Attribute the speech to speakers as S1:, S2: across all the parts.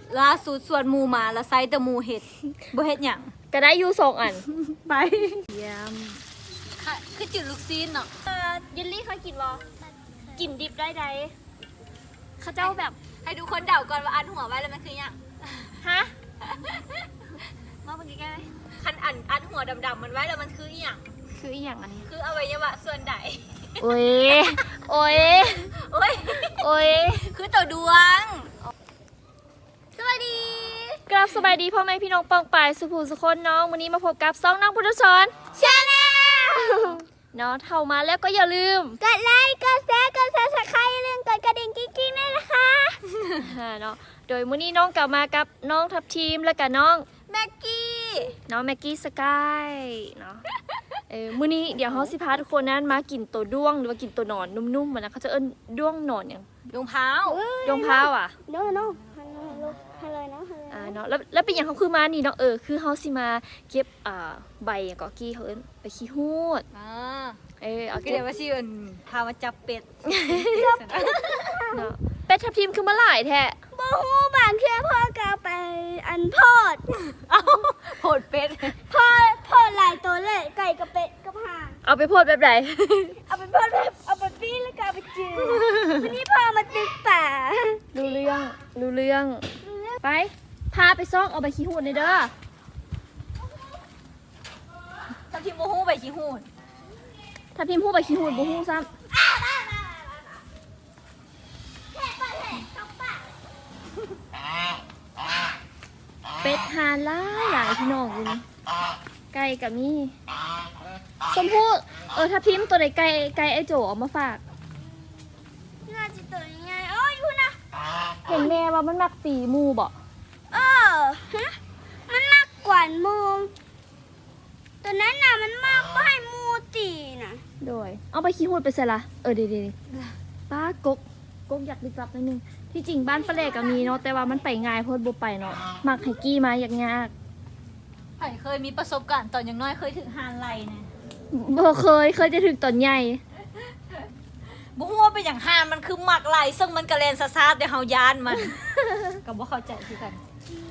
S1: ล่าสุดสวนหมูมาแล้วไซต์แต่หมูเห็ดบ่เห็ดหยัง
S2: ก็ได้อยู่2 อัน
S1: ไป
S2: เยี่ยม
S1: ค่ะคือจืดลูกซีนเนาะ
S2: เยลลี่เคยกินบ่กินดิบได้ใดเขาเจ้าแบบ
S1: ให้ทุกคนเดาก่อนว่าอันหัวไว้แล้วมันคือหยัง
S2: ฮะ
S1: มาเมื่อกี้ไงคันอันหัวดำๆมันไว้แล้วมันคืออีหยัง
S2: คืออีหยังอันนี้
S1: คืออวัยวะส่วนใด
S2: โอ้ยโอ้ย
S1: โอ้ย
S2: โอ้ย
S1: คือตัวดวงสวัสดี
S2: กราบสบายดีพ่อแม่พี่น้องปองปายสุภูสุคนน้องวันนี้มาพบกับซ่องน้องพุทธชน
S1: ชาแนล
S2: เนาะเท่ามาแล้วก็อย่าลืม
S1: กดไลค์กดแชร์กดซับสไครต์อย่าลืมกดกระดิ่งกิ๊งๆด้วยนะคะ
S2: เนาะโดยมื้อนี้น้องกลับมากับน้องทัพทีมและกับน้อง
S1: แม็กกี้
S2: น้องแม็กกี้สกายเนาะมื้อนี้เดี๋ยวเฮาสิพาทุกคนนั้นมากินตัวด้วงหรือว่ากินตัวหนอนนุ่มๆมันนะเขาจะเอิ้นด้วงหนอนหยัง
S1: ดวงพร้าว
S2: ด้วงพร้าวอ่ะ
S1: ฮัลโหลฮัลโหลนะ
S2: เนาะแล้วเป็นอย่างเขาคือมานี่เนาะคือเขาสิมาเก็บใบอย่างกอกี้เขาเอิ้นไปขี้หูดเอา
S1: ก็เดี๋ยวว่าชื่อพามาจับเป็ด
S2: เนาะเป็ดทับทิมคือมาหลายแท้
S1: บ่ฮู้บางเทื่อพ่อก็ไปอันโพดโพดเป็ดพ่อหลายตัวเลยไก่กับเป็ดกับห่าน
S2: เอาไปโพดแบบไหน
S1: เอาไปโพดแบบเอาไปปี้แล้วก็เอาไปจืดวันนี้พ่อมาตึกป่า
S2: รู้เรื่องไปพาไปซ่องเอาใบขี้หูดในเด้อ
S1: ทับทิมบ่ฮู้ใบขี้หูด
S2: ทับทิมหู้ใบขี้หูดบ่ฮู้ซ้ำเป็ดหาหลายพี่น้องอยู่นี่ไก่กับนี่ชมพู่ทับทิมตัวใดไก่ไอ้โจเอามาฝาก
S1: น่าจะตัวยังไงโอ้ยคุณนะ
S2: เห็นแม่ว่ามันมักตีหมูบ่
S1: มันมากกว่ามูตัวนั้นน่ะมันมากกว่าให้มูตีน่ะ
S2: โดยเอาไปขี้หูดไปใส่ละเดี๋ยวป้ากกอยากลึกลับนิดนึงที่จริงบ้านป้าแหลกก็มีเนาะแต่ว่ามันไปง่ายโพดบ่ไปเนาะมักให้กี้มาอยาก
S1: ไผ่เคยมีประสบการณ์ตอนยังน้อยเคยถึงฮานไลนะ
S2: บ่เคยจะถึงตอนใหญ่
S1: บ่ฮู้ว่าเป็นอย่างฮานมันคือหมักไหลซึ่งมันกระเลนซาๆเดี๋ยวเฮายานมัน ก็บ่เข้าใจคือกัน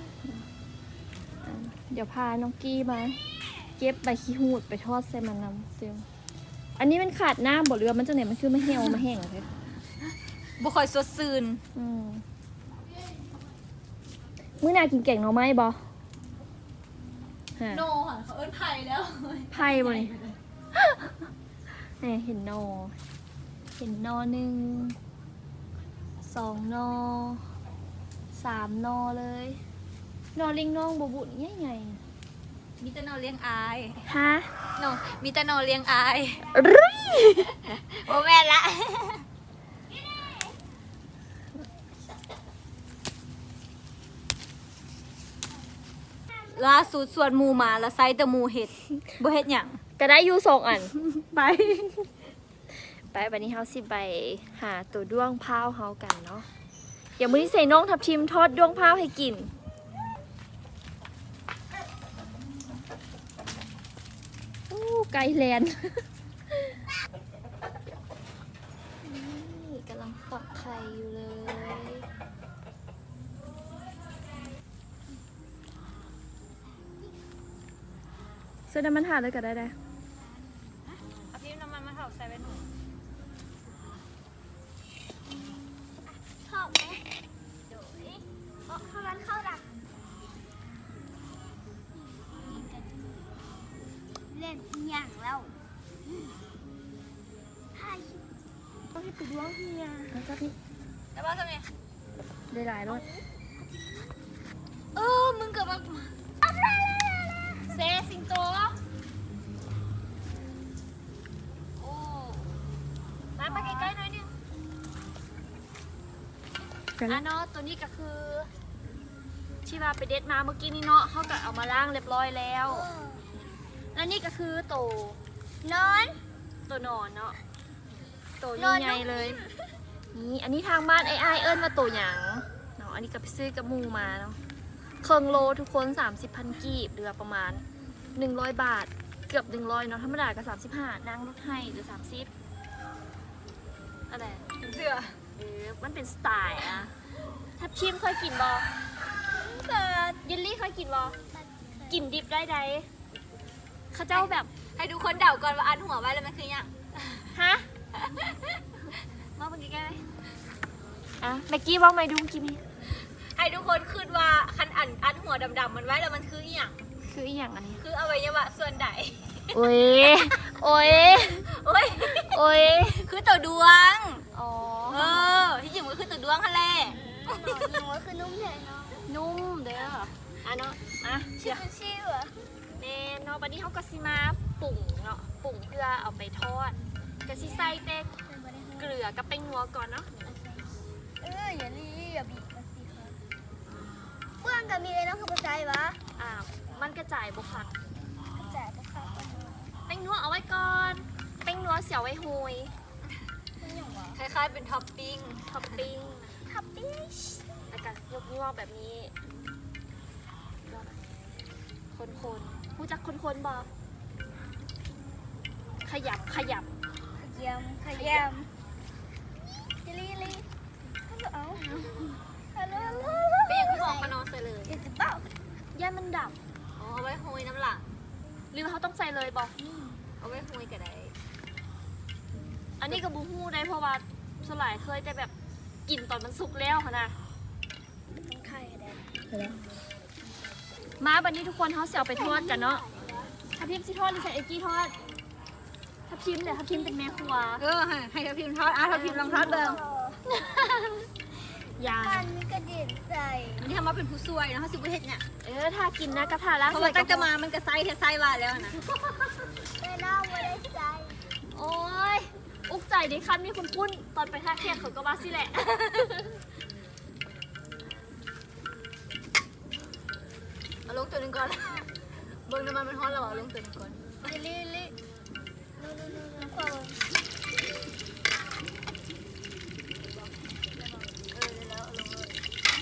S2: เดี๋ยวพาน้องกี้มาเก็บใบขี้หูดไปทอดใส่มันน้ำซึมอันนี้มันขาดน้ำบ่เรือมันจังไหนมันคือไม่เหี่ยวมาแห้งเลย
S1: บ่ค่อยสดชื่น
S2: มื้อหน้ากินแกงหน่อไม้บ่ฮะ
S1: โนค่ะเขาเอิ้นไผ่แล้ว
S2: ไผ่บ่นี่ เนี่ยเห็นหน่อหนึ่ง2 หน่อ3 หน่อเลยหน่อลิงน้องบ่บุญใหญ่
S1: มีแต่นอเลี้ยงอาย
S2: ๆฮะ
S1: โนมีแต่นอเลี้ยงอาย
S2: รึย
S1: บ่แม่นละล่าสุดสวนหมูมาแล้วไซต์แต่หมูเห็ดบ่เห็ดหยัง
S2: ก็ได้อยู่2 อัน
S1: ไป
S2: วันนี้เฮาสิไปหาตัวด้วงพร้าวเฮากันเนาะอย่างมื้อนี้ใส่น้องทับทิมทอดด้วงพร้าวให้กินอู้ไก่แลน นี่กำลังฝักไข่อยู่เลยเสื้อน้ำมันหาเลยก็ได้
S1: เอาพี่น้ำมันมาเผาใส่ไว้หนูชอบไหมเดี๋ยวเข้าร้านข้าวดักเล่นอย่างแล้วต้องให้ไปดวงเฮีย
S2: แล้วก็พี่
S1: แต่ว่าทำไม
S2: ได้หลายรส
S1: มึงเกิดมาเซสิงโตโอ้มาใกล้ๆหน่อยนึง เนาะตัวนี้ก็คือที่ว่าไปเด็ดมาเมื่อกี้นี่เนาะเขาก็เอามาล้างเรียบร้อยแล้ว แล้วนี่ก็คือตัวนอนเนาะตัวใหญ่ๆเลยนี่อันนี้ทางบ้านไอ้เอิ้นมาตัวหยังเนาะอันนี้ก็ไปซื้อกับหมูมาเนาะเครื่องโลทุกคน30,000 กีบเรือประมาณ100 บาทเกือบ100เนาะธรรมดาก็35นางลดให้หรือ30อะไรเสื้อมันเป็นสไตล์อะทับทิมเคยกินบอยกินบ่กินดิบได้ใดเขาเจ้าแบบ
S3: ให้ทุกคนเดาก่อนว่าอันหัวไว้แล้วมันคือหยัง
S1: ฮะมาเมื่อกี้แกไหมอ่ะเมื่อกี้ว่าไม่ดูเมื่อกี้มี
S3: ให้ทุกคนคิดว่าคันอันหัวดำๆมันไว้แล้วมันคืออหยัง
S1: คืออีหยังอันนี้
S3: คืออวัยวะส่วนใด
S1: โอ้ยโอ้ย
S3: โอ้ย
S1: โอ้ย
S3: คือตัวดวง
S1: อ๋อ
S3: ที่จริงมันก็คือตัวดวงค่ะแหละ
S4: หนูคือนุ่มใหญ่เนาะ
S1: นุ่มเด้ออ่ะเนาะอ่ะเชียว
S4: เป็นชื่อวะ
S1: แม่เนาะบัดนี้เขาก็สิมาปุ่งเนาะปุ่งเพื่อเอาไปทอดก็สิใส่แต่เกลือกับแป้งนัวก่อนเนาะ
S4: อย่าลีอย่าบีบมาสิครับเพื่อนกับมีอะไรน้องคือภาษายวะ
S1: อ่ามันกระจายบุคัก
S4: ภาษาภาษา
S1: แป้งนัวเอาไว้ก่อนแป้งนัวเสียวไว้โฮย
S4: เป็นอย่างวะ
S3: คล้ายๆเป็นท็อปปิ้ง
S1: ท็อปปิ้ง
S4: ทับปิ้ง
S1: แล้วก็ยกนิ้วเอาแบบนี้คนๆรู้จักคนๆบ่ขยับ
S4: ขยำจิลีลีฮัลโหลฮัลโหล
S3: เป็นอย่างที่บอกปานอนใส่เลย
S4: เดี๋ยวจะเป่า
S1: ย่ามันดับ
S3: อ๋อเอาไว้โหยน้ำหลัง
S1: หรือเขาต้องใส่เลยบ่
S3: เอาไว้โหยก็ได้
S1: อันนี้ก็บูฮู้ได้เพราะว่าสลายเคยแต่แบบกินตอนมันสุกแล้วค่ะนะ
S4: ต้องไข่ได้
S1: มาบันนี้ทุกคนเขาเสียไปทอดกันเนาะทับทิมสิทอดหรือใส่เอ็กกี้ทอดทับทิมเนี่ยทับทิมเป็นแม่ครัว
S3: ให้ทัพพิมทอดทัพพิมลองทอดเบิ่ง
S1: อย่า
S4: การมีกระเด็นใส่
S3: มันทำมาเป็นผู้ซวยนะเขาสิบุเฮ็ดเนี่ย
S1: ถ้ากินนะกระทะล้าง
S3: เพราะว่าตั้งแต่มามันก็ไซส์เทไซส์ว่าแล้วนะ
S4: แต่น้องไม่ได้ใส่
S1: โอ้ยอุกใจดิคันมีคุณคุ้นตอนไปท่าแขกเขาก็ว่าสิแหละ
S3: เอาลงตัวหนึงก่อน เบิ่งน้ำมันร้อนแล้วเอาลงตัวหนึงก่อน
S4: จิลีลีนู่นความ
S3: แล้วเอาลงเลย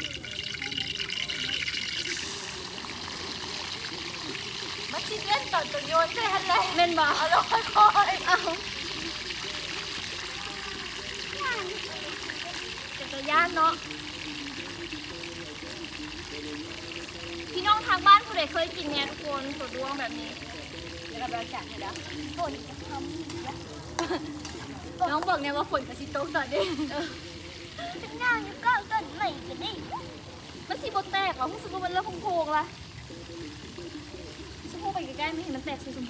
S3: มาชิมเล่นตอนตัวโยนใช่ฮันเลย
S1: เม่นบอก
S3: เอาลงค่อยๆเอา
S1: เป็นตัวย่านเนาะพี่น้องทางบ้านผู้ใดเคยกินเนี่ยทุกคนตัวดวงแบบนี้
S3: เดี๋ยวเราไปเอาจานให้แล้ว
S4: ฝนจะทำ
S3: น้องบอกเนี่ยว่าฝนกับซิโต๊ะตอนนี้
S4: เป็นนางอยู่ก้าวต้นใหม่กันดิ
S1: มันสีบดแตกเหรอรู้สึกว่ามันเริ่มโพงๆละชมพูไปใกล้ๆไม่เห็นมันแตกสีชมพู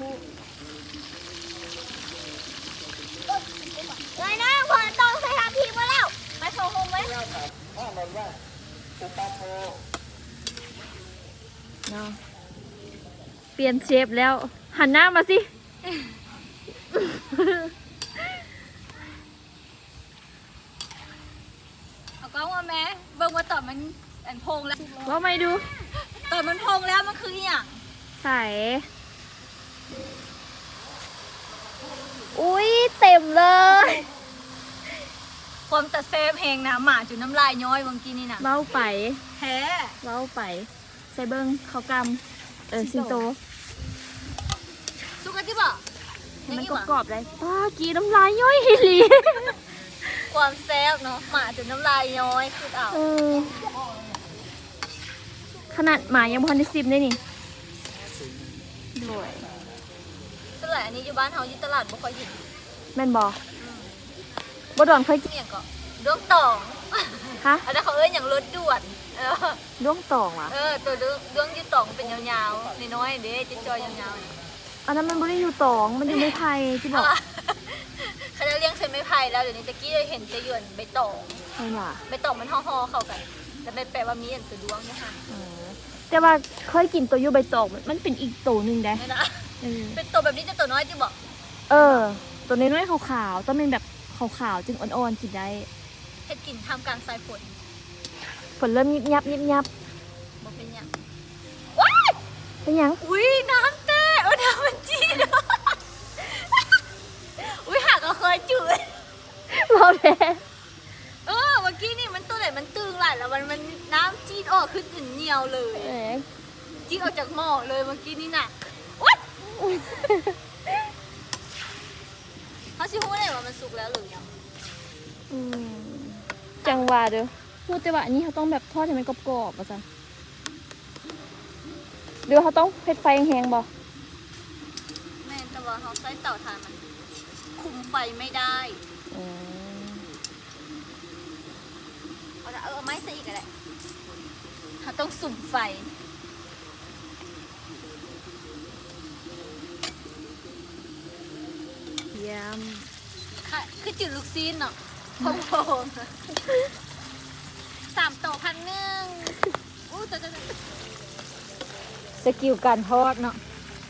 S4: เลยนะฝนตกใส่ทับพีมาแล้ว
S1: ไปเข้าโฮมไหม
S2: เนาะเปลี่ยนเชฟแล้ว หันหน้ามาสิ
S3: เอากล้องมาแม่เบิ่งว่าตอนมันอันพงแล้ว
S2: ว่าไม่ดู
S3: ตอนมันพงแล้วมันคืออหย่าง
S2: ใส่ อุ้ยเต็มเลย
S3: ความตะเซฟเพลงนะหมาจุดน้ำลายย้อยเมื่อกี้นี่นะ
S2: เบ้าไป
S3: แท้
S2: เบ้าไป ใส่เบิ้งเขากำสิงโต
S3: สุกันที่บอก
S2: ให้มันกรอบๆเลยป้ากีน้ำลายย่อยฮิลี
S3: ความแซ่บเนาะหมาจุดน้ำลายย้อยคือเอา
S2: เออขนาดหมายังพอได้ซิมได้นี่ด้วย
S3: สลายอันนี้อยู่บ้านเฮาอยู่ตลาดบ่ค่อยเห็น
S2: แม่นบอบ่ดอนเคยกิน
S3: เอย่างก็ดวงตอง
S2: ฮะ
S3: อันนั้นเขาเอ้ยอย่างรถด่วน
S2: ด้วงตองวะ
S3: ตัวดวงอยู่ตองเป็นยาวๆน้อยๆเด้จะจอยยาวๆนะ
S2: อันนั้นมันไม่ได้อยู่ตอง มันอยู่ในไทยที่บอก
S3: เขาจะเลี้ยงเส้นไม้ไผ่แล้วเดี๋ยวนี้ตะกี้เห็นจะหยวนใบตอง
S2: ใช่ป่ะ
S3: ใบตองมันห่อๆเข้ากันแต่ไม่แปลว่ามีอันตัวดวงนะคะ
S2: แต่ว่าเคยกินตัวยูใบตองมันเป็นอีกตัวหนึ่งได้
S3: ไม่นะ
S2: เออ
S3: เป็นตัวแบบนี้จะตัวน้อยที่บอก
S2: ตัวน้อยๆขาวๆต้องเป็นแบบขาวๆจึงอ่อนๆกินได้
S3: เฮ็ดกินทำกลางสายฝน
S2: ฝนเริ่มยิบยับยิบยับ
S3: บอกเป็นหยัง
S2: เป็นหยัง
S3: อุ้ยน้ำเต้น้ำมันจีดอุ้ยหากก็เคยจืด
S2: รอแพ้
S3: เมื่อกี้นี่มันตัวไหนมันตึงหลายแล้วมันน้ำจีดออกขึ้นถึงเหนียวเลย
S2: แหม
S3: จีดออกจากหม้อเลยเมื่อกี้นี่น่ะวัดเขาชิพูดเลยว่ามันสุกแล้วหรือยัง
S2: อืมจังหวะเด้อพูดแต่ว่าอันนี้เขาต้องแบบทอดให้มันกรอบๆป่ะจ๊ะหรือเขาต้องเผ็ดไฟแห้งๆบ่
S3: แม่นแต่ว่าเขาใช้เตาถ่านมันคุมไฟไม่ได้
S2: อืม
S3: เอาไม้ซะอีกอะไรเขาต้องสุ่มไฟ
S2: เยี่ยม
S3: ค่ะคือจืดลูกซีนเนาะพงพง3 โต1,100อู้ตัว
S5: สกิลการทอดเนาะ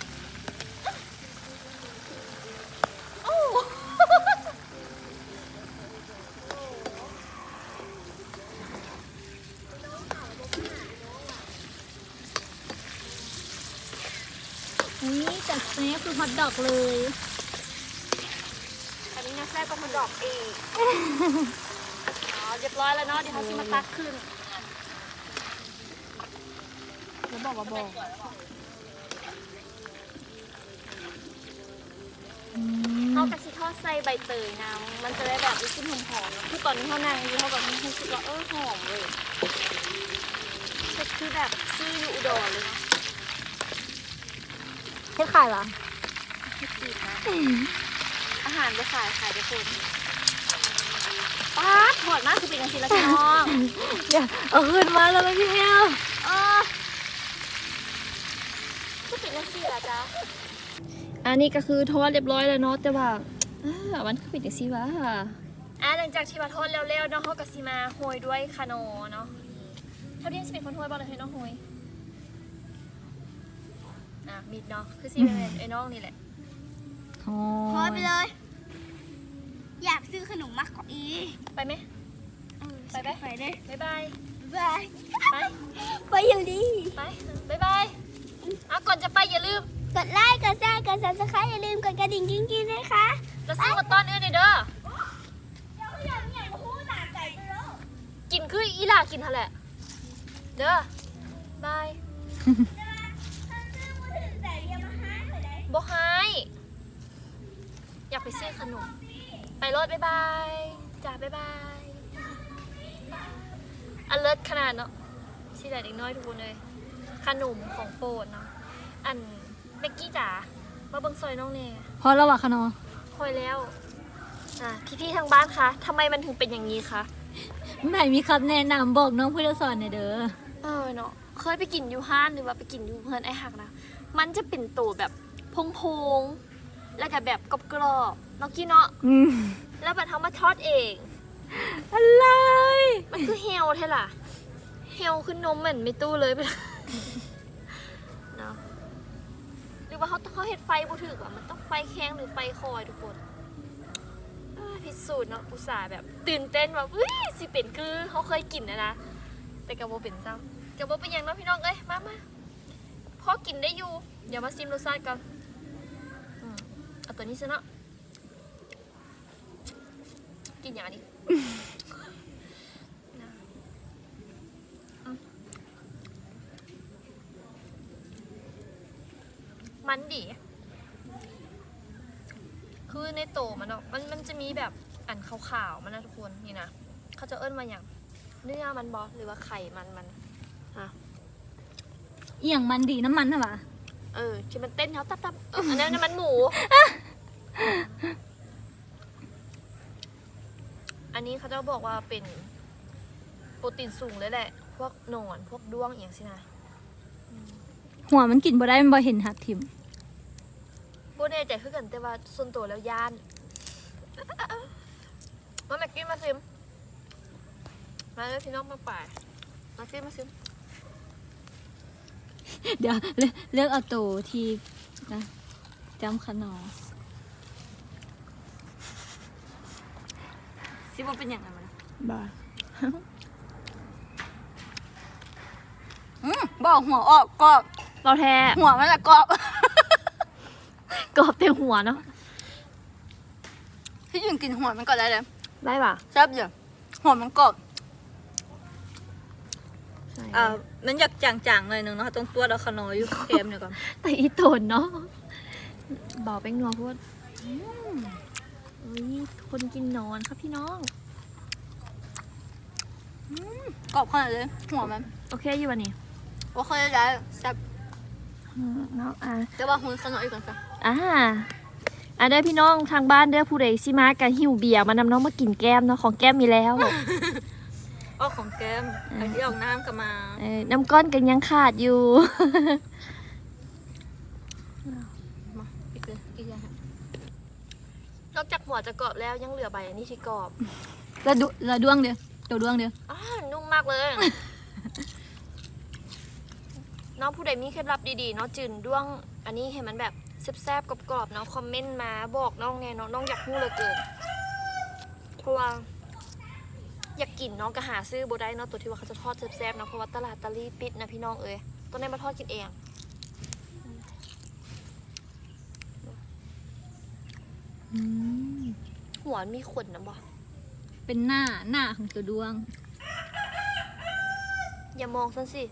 S5: นี่จัดเนี้คือฮอทดอกเลย
S1: อันนี้นะแซ่บก็มาดอกเองอ๋อเรียบร้อยแล้วเนาะเดี๋ยวเขาสิมาตักขึ้น
S2: แล้วบอกว่าบอก
S1: เขากระชิทอดใส่ใบเตยนะมันจะได้แบบรู้สึกหอมๆคือตอนนี้เขานั่งอยู่เขาแบบรู้สึกว่าหอมเลยคือแบบซื้ออยู่อุดรเลยเนาะ
S5: ให้ขายเหรอ
S1: ให้กินนะอาหารไปขายไปคนป๊าดถอดมากคือเป็นกันสิละพี่น้อง
S5: เดี๋ยวเอาขึ้นมาแล้วไหมพี่แอล
S1: คือเป็นกันสิละจ๊ะ
S2: อันนี้ก็คือทอดเรียบร้อยแล้วเนาะแต่ว่ามันคือเป็นจังซี่วะ
S1: หลังจากที่มาทอดแล้วๆเนาะเขากระซิมาโหยด้วยคาโนเนาะเท่าที่จะเป็นคนโหยบ้างเลยให้น้องโหยมิดเนาะคือซีเป็นไอ้น้องนี่แหละ
S5: อ๋อ
S4: พอไปเลย อยากซื้อขนมมากกว่าอี
S1: ไปไหม ไปไหม
S4: ไปเลย
S1: บ๊ายบาย
S4: บาย
S1: ไป
S4: ไปอยู่ดี
S1: ไปบ๊ายบายก่อนจะไปอย่าลืม
S4: กดไลค์ กดแชร์ กด subscribe อย่าลืมกดกระดิ่งกิ้งๆด้วยค่ะ
S1: แล้วซื้อมาต้อนอื่นหน่อยเด้อ
S4: เดี๋ยวอย่างใหญ่มาพูดหนาไก่ไปแล้ว
S1: กินคืออีหล่ากินเท่าแหละเด้อบาย
S4: ถ้าซื้อมือถือใส่ยังมาหาหน่อยได้
S1: บอกให้อยากไปซื้อขนม ไปรถบ๊ายบายจ้าบ๊ายบายอันเลิศขนาดเนาะสิแต่เด็กน้อยทุกคนเลย ขนมของโปรดเนาะอันเบกกี้จ๋ามาเบิ่งซอยน้องเน่
S5: พอแล้ววะคะเนาะ
S1: คอยแล้วพี่ๆทางบ้านคะทำไมมันถึงเป็นอย่างนี้คะ
S5: ไหนมีคำแนะนำบอกน้องผู้สอนหน่อยเด้อ
S1: เนาะเคยไปกินยูห้านหรือว่าไปกินยูเพื่อนไอ้หักนะมันจะเป็นตัวแบบพงๆแล้วก็แบบกรอบๆเนาะกี้เนาะแล้วบัดเขามาทอดเอง
S5: อะไร
S1: มันคือเฮลใช่ล่ะเฮลคือนมเหมือนไม่ตู้เลยไปเลยเนาะหรือว่าเขาเห็ดไฟบูถึกอ่ะมันต้องไฟแข็งหรือไฟคอยทุกคนพิสูจน์เนาะอุตส่าห์แบบตื่นเต้นแบบสิเป็นคือเขาเคยกินนะแต่กระโบเป็นซ้ำกระโบเป็นอย่างเน้องพี่น้องเอ้ยมาพอกินได้อยู่เดี๋ยวมาซิมรสชาติกันเอาตัวนี้ซะเนาะกินอย่างนี้ มันดี คือในโตมันเนาะมันจะมีแบบอันขาวๆมันนะทุกคนนี่นะเขาจะเอิ้นมาอย่างเนื้อมันบอหรือว่าไข่มัน
S5: เอียงมันดีน้ำมันเหรอวะ
S1: ที่มันเต้นเขาตับอันนั้นมันหมู อันนี้เขาจะบอกว่าเป็นโปรตีนสูงเลยแหละ พวกหนอนพวกด้วงอย่างสินะ
S5: หัวมันกินบ่ได้มันบ่เห็นหักทิม
S1: โบแน่ใจคือกันแต่ว่าส่วนตัวแล้วย่านมาแม็กกี้มาซิมมาเลยพี่น้องมาป่ายมาซิม
S5: เดี๋ยวเลือกเอาตัวที่นะจำขนอซิว่าเป็นอย่างไรมั้ย
S2: บ้า
S3: บอกหัวออกกรอบ
S2: เราแท้
S3: หัวมันละกรอบ
S2: กรอบเต็มหัวเนาะ
S3: พี่ยืนกินหัวมันก่อนได้เลย
S2: ได้ป่ะ
S3: แซ่บอยู่หัวมันกรอบ
S2: ใช่
S3: มันอยากจางๆหน่อยนึงเนาะตรงตัวเราขนอยอยู่เค็มเดี๋ยวก่อน
S2: แต่อีโตนเนาะเบาแป้งนัวพูดคนกินนอนครับพี่น้อง
S3: กรอบขนาดเลยหัวมัน
S2: โอเคอยู่วันนี้
S3: โอเคได้แซ่บ
S2: เนาะ
S3: แต่ว่าหุ่นขนมอีกก่อนค่ะ
S2: เด้อพี่น้องทางบ้านเด้อผู้ใดสิมากันหิวเบียร์มานำน้องมากินแก้มเนาะของแก้มมีแล้ว
S3: อ้อของแก้มไอ้ที่ออกน้ำก็มา
S2: น้ำก้อนกันยังขาดอยู่
S3: มาอีกเลยอีกอย่าง
S1: นอกจากหัวจะกรอบแล้วยังเหลือใบอันนี้ที่กรอบ
S5: ละดวงเดียวตัวดวงเดียว
S1: นุ่มมากเลย น้องผู้ใดมีเคล็ดลับดีๆเนาะจืนด้วงอันนี้เห็นมันแบบแซ่บๆกรอบๆเนาะคอมเมนต์มาบอกน้องแน่เนาะน้องอยากรู้เหลือเกินเพราะว่าอยากกินน้องก็หาซื้อบ่ได้เนาะตัวที่ว่าเขาจะทอดแซ่บๆเนาะเพราะว่าตลาดตะลี่ปิดนะพี่น้องเอ้ยต้องได้มาทอดกินเอง หัวมีขนนะบ่
S5: เป็นหน้าของตัวดวง
S1: อย่ามองฉันสิ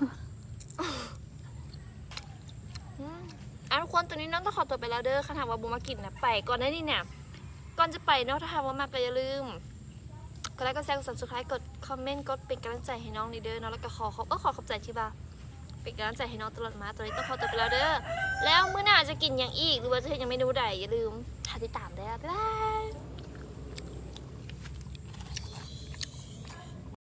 S1: ทุกคนตัวนี้น้องต้องขอตัวไปแล้วเด้อค่ะถามว่าบูมากินนะไปก่อนได้นี่เนี่ยก่อนจะไปเนาะถ้าถามว่ามากก็อย่าลืมกดไลค์กดแชร์กด subscribe กดคอมเมนต์กดเป็นกำลังใจให้น้องนี่เด้อเนาะแล้วก็ขอขอบใจที่บ่าเป็นกำลังใจให้น้องตลอดมาตัวนี้ต้องขอตัวไปแล้วเด้อแล้วมื้อหน้าจะกินอย่างอีกหรือว่าจะเฮ็ดยังไม่ดูใดอย่าลืมติดตามได้บ๊ายบาย